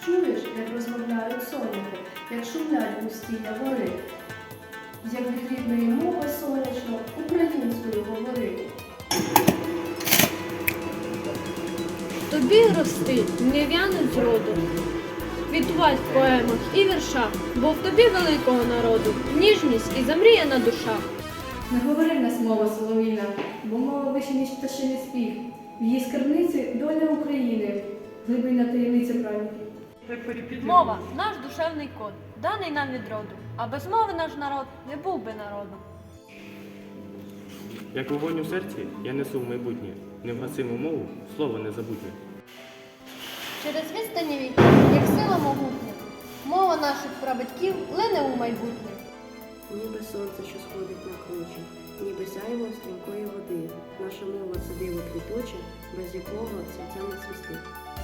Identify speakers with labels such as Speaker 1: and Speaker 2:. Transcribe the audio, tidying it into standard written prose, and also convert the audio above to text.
Speaker 1: Чуєш, як розмовляють соняхи, як шумлять густі явори, як від рідної мови сонячно українською говори.
Speaker 2: Тобі рости, не в'януть зроду, квітувать в поемах і віршах, бо в тобі великого народу ніжність і замріяна душа.
Speaker 1: Не говори в нас мова солов'їна, бо мова вище, ніж пташиний спів. В її скарбниці доля України, глибинна таємниця пам'яті.
Speaker 2: Мова – наш душевний код, даний нам від роду, а без мови наш народ не був би народом.
Speaker 3: Як вогонь у серці, я несу в майбутнє, невгасиму мову, слово незабутнє.
Speaker 2: Через відстані віків, як сила могутня, мова наших прабатьків лине у майбутнє.
Speaker 4: Ніби сонце, що сходить на кручі, ніби сяйво стрімкої води. Наша мова – це диво квіточе, без якого серця не цвісти.